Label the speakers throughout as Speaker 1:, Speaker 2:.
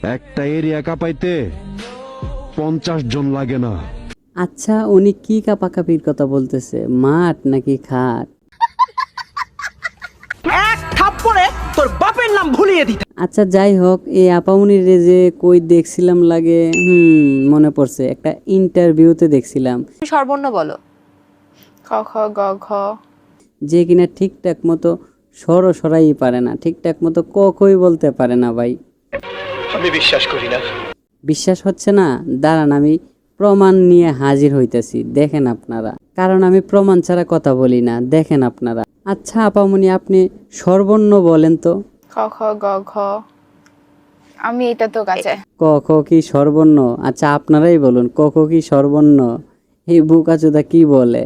Speaker 1: একটা এরিয়া কাঁপাইতে 50 জন লাগে না।
Speaker 2: আচ্ছা উনি কি কাপাকাপির কথা বলতেছে, মাঠ নাকি খাট?
Speaker 3: এক থাপ্পড়ে তোর বাপের নাম ভুলিয়ে দিতে।
Speaker 2: আচ্ছা যাই হোক, এই আপামনির যে কই দেখছিলাম লাগে, মনে পড়ছে, একটা ইন্টারভিউতে দেখছিলাম
Speaker 4: সর্বর্ণ বলো। খ খ গ ঘ।
Speaker 2: যে কিনা ঠিকঠাক মতো সরাই পারে না, ঠিকঠাক মতো কই বলতে পারে না ভাই।
Speaker 3: আমি বিশ্বাস করি না।
Speaker 2: বিশ্বাস হচ্ছে না? দাঁড়ান, আমি প্রমাণ নিয়ে হাজির হইতেছি, দেখেন আপনারা, কারণ আমি প্রমাণ ছাড়া কথা বলি না, দেখেন আপনারা। আচ্ছা আপামনি, আপনি সর্বর্ণ বলেন তো।
Speaker 4: খ খ গ ঘ। আমি এটা তো কাছে।
Speaker 2: ক খ কি সর্বর্ণ? আচ্ছা আপনারাই বলুন, ক খ কি সর্বর্ণ? এই বুকাচোদা কি বলে?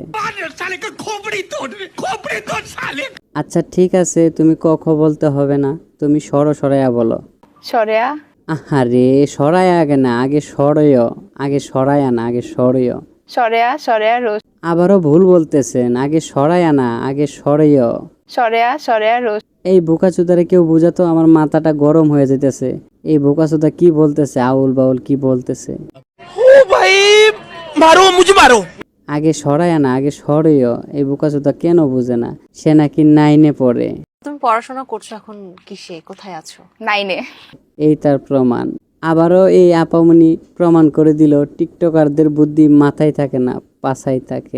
Speaker 2: আচ্ছা ঠিক আছে, তুমি ক খ বলতে হবে না, তুমি সরাইয়া বলো।
Speaker 4: সরেয়া।
Speaker 2: আহারে সরাই আগে না, আগে সরয়, আগে সরায়া না, আগে সরয়।
Speaker 4: সরেয়া সরেয়া রোজ।
Speaker 2: আবারও ভুল বলতেছেন, আগে সরায়া না, আগে সরয়।
Speaker 4: সরেয়া সরেয়া রোজ।
Speaker 2: এই বোকাচোদারে কেউ বুঝাতো, আমার মাথাটা গরম হয়ে যেতেছে। এই বোকাচোদা কি বলতেছে, আউল বাউল কি বলতেছে।
Speaker 3: ও ভাই মারো মুঝে মারো।
Speaker 2: আগে সরায়া না, আগে সরয়। এই বোকাচোদা কেন বুঝে না? সে নাকি 9-এ পড়ে।
Speaker 5: তুমি পড়াশোনা করছো এখন কিসে, কোথায় আছো?
Speaker 4: নাইনে।
Speaker 2: এই তার প্রমাণ। আবারও এই আপামনি প্রমাণ করে দিল টিকটকারদের বুদ্ধি মাথায় থাকে না, পাছায় থাকে।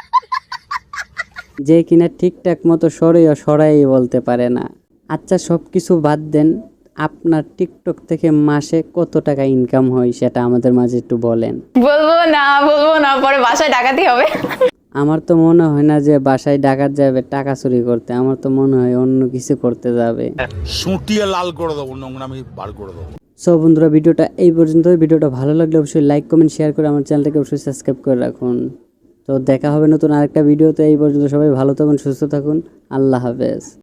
Speaker 2: যে কিনা ঠিকঠাক মতো সরাই বলতে পারে না। আচ্ছা সবকিছু বাদ দেন, আপনার টিকটক থেকে মাসে কত টাকা ইনকাম হয় সেটা আমাদের মাঝে একটু বলেন।
Speaker 4: বলবো না, পরে বাসায় ডাকাতি হবে।
Speaker 2: আমার তো মনে হয় না যে বাসায় ডাকাত যাবে টাকা চুরি করতে, আমার তো মনে হয় অন্য কিছু করতে যাবে।
Speaker 6: সুটিয়ে লাল করে দেবো, নোংরামি বার করে দেবো।
Speaker 2: সো বন্ধুরা, ভিডিওটা এই পর্যন্ত। ভিডিওটা ভালো লাগলে অবশ্যই লাইক কমেন্ট শেয়ার করে আমার চ্যানেলটাকে অবশ্যই সাবস্ক্রাইব করে রাখুন। তো দেখা হবে নতুন আরেকটা ভিডিওতে। এই পর্যন্ত সবাই ভালো থাকুন, সুস্থ থাকুন, আল্লাহ হাফেজ।